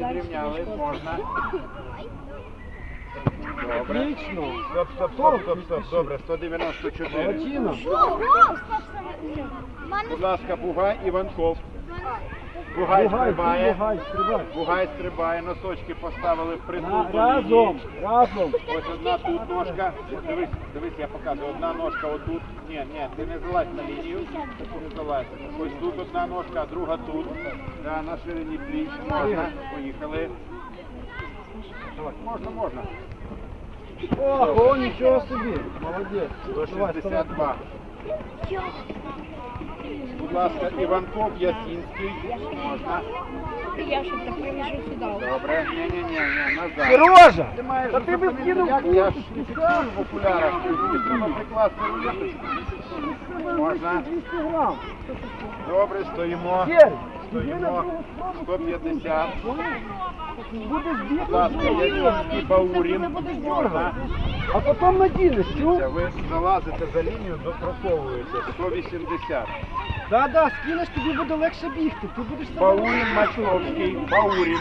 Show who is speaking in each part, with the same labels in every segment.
Speaker 1: підрівняли, можна. Добре.
Speaker 2: Отлично.
Speaker 1: Стоп. Добре, 194.
Speaker 2: Молодчина.
Speaker 1: Будь ласка, Бугай, Іванков. Бугай стрибає. Бугай стрибає, носочки поставили впритул до лінії.
Speaker 2: Разом.
Speaker 1: Ось одна тут ножка. Дивись, я показую. Одна ножка отут. Ні, ти не залазь на лінію. Не залазь. Ось тут одна ножка, а друга тут. Да, на ширині пліч. Можна. Поїхали. Можна.
Speaker 2: Ого, нічого собі. Молодець.
Speaker 1: 162. Будь ласка, Іванков, Ясінський. Можна.
Speaker 3: Я щоб так примішу сюди.
Speaker 1: Добре. Ні, назад.
Speaker 2: Сережа!
Speaker 1: Ти маєш
Speaker 2: Та ти би
Speaker 1: зупинити,
Speaker 2: скинув
Speaker 1: як я ж не фіксую в окулярах. Тобі треба прикласти рулеточку. Можна.
Speaker 2: 200 грам.
Speaker 1: Добре, стоїмо.
Speaker 2: Сергій,
Speaker 1: Стоїмо. 150.
Speaker 2: будеш
Speaker 1: Будь
Speaker 2: бігти,
Speaker 1: ласка, Ясінський, Баурін. Можна.
Speaker 2: а потім надінеш, чув?
Speaker 1: Ви залазите за лінію, допроковуєте. 180.
Speaker 2: Да, скинеш, тобі буде легше бігти. Ти будеш себе...
Speaker 1: Баурін, Мачковський. Баурін.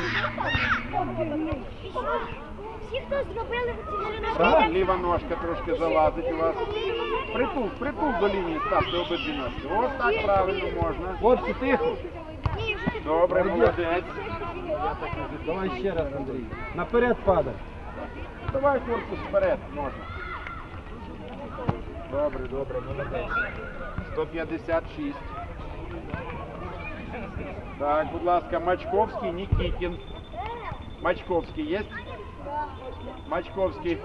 Speaker 3: Всі, хто зробили ці
Speaker 1: Так, ліва ножка трошки залазить у вас. Притул до лінії, ставте обидві ножки. Ось так правильно можна.
Speaker 2: Хлопці, тихо.
Speaker 1: Добре, молодець.
Speaker 2: Давай ще раз, Андрій. Наперед падай.
Speaker 1: Давай корпус вперед, можна. Добре, молодець. 156. Так, будь ласка, Мачковський, Нікітін. Мачковський є? Мачковський.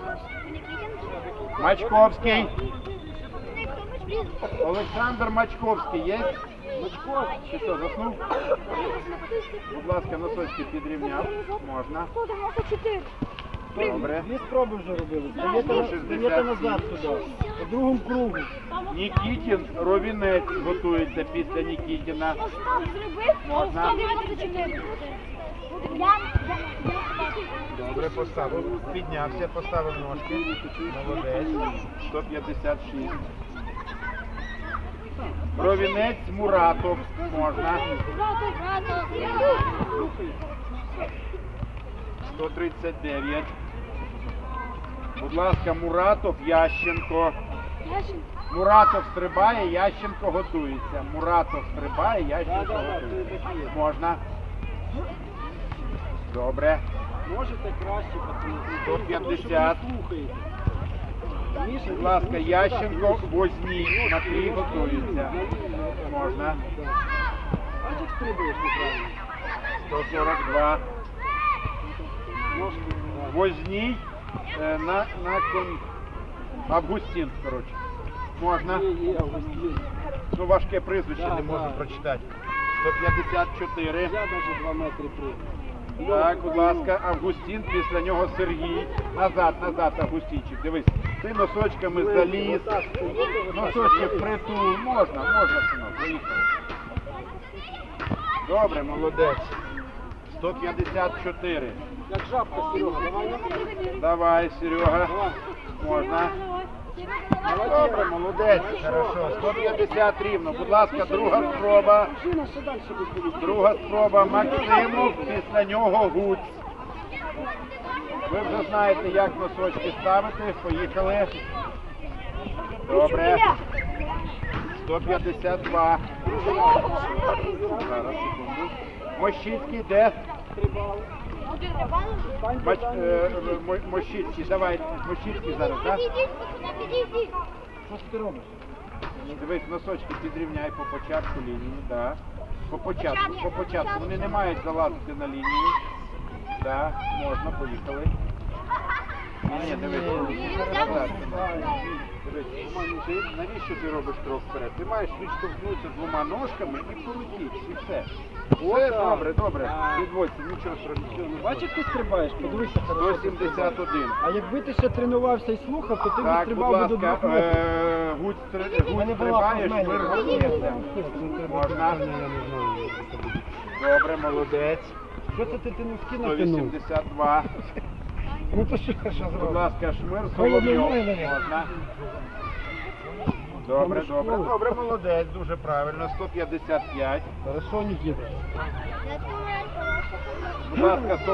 Speaker 1: Олександр Мачковський є? Чи що, заснув? Будь ласка, носочки підрівняв. Можна.
Speaker 3: 194.
Speaker 1: Добре.
Speaker 2: Дві спроби вже робили. Стаєте назад туди. По другому кругу.
Speaker 1: Нікітін, Ровінець готується після Нікітіна.
Speaker 3: Остап зробив
Speaker 1: Можна.
Speaker 3: 194.
Speaker 1: Добре, поставив. Піднявся, поставив ножки. Молодець. 156. Ровінець, Муратов. Можна. 139. Будь ласка, Муратов, Ященко. Муратов стрибає, Ященко готується. Муратов стрибає, Ященко готується. Можна. Добре.
Speaker 2: Можете краще, пацани.
Speaker 1: 150. Будь ласка, Ященко, Возній. Матвій готується. Можна.
Speaker 2: Бачиш, стрибаєш неправильно.
Speaker 1: 142. Возній на коні. Августін, коротше. Можна. Ну, важке прізвище, не можу прочитати. 154.
Speaker 2: Я навіть 2 метри прийду.
Speaker 1: Так, будь ласка, Августін, після нього Сергій. Назад, Августінчик, дивись. Ти носочками заліз. Носочки впритул. Можна, синок, поїхали. Добре, молодець. 154.
Speaker 2: Як жабка, Серега, давай.
Speaker 1: Давай, Серега. Можна. Добре, молодець. Хорошо. 150 рівно. Будь ласка, друга спроба. Друга спроба Максимов, після нього Гуць. Ви вже знаєте, як носочки ставити. Поїхали. Добре. 152. Зараз, секунду. Мощицький де? Мощицький, давай, Мощицький зараз, так?
Speaker 2: Що ти робиш?
Speaker 1: Дивись, носочки підрівняй по початку лінії, так. По початку. Вони не мають залазити на лінію. Так, можна, поїхали. Ні, дивись. Дивись, навіщо ти робиш крок вперед? Ти маєш відштовхнутися двома ножками і полетіти, і все. Все добре. Відводься, нічого страшного.
Speaker 2: Бачиш, ти стрибаєш? Подивися, хорошо.
Speaker 1: 171.
Speaker 2: А якби ти ще тренувався і слухав, то ти б
Speaker 1: Так, будь
Speaker 2: стрибав до
Speaker 1: ласка,
Speaker 2: 2 метрів.
Speaker 1: Гуць стрибає, шмир готується. Можна. Добре, молодець.
Speaker 2: Що це ти носки натягнув?
Speaker 1: 182.
Speaker 2: Ну то що
Speaker 1: Будь
Speaker 2: зробив?
Speaker 1: ласка, Шмир, Соловйов. Можна. Добре,
Speaker 2: Там
Speaker 1: добре,
Speaker 2: школи.
Speaker 1: добре, молодець, дуже правильно. 155.
Speaker 2: Хорошо, Никита.
Speaker 3: Я думаю,
Speaker 1: Будь ласка,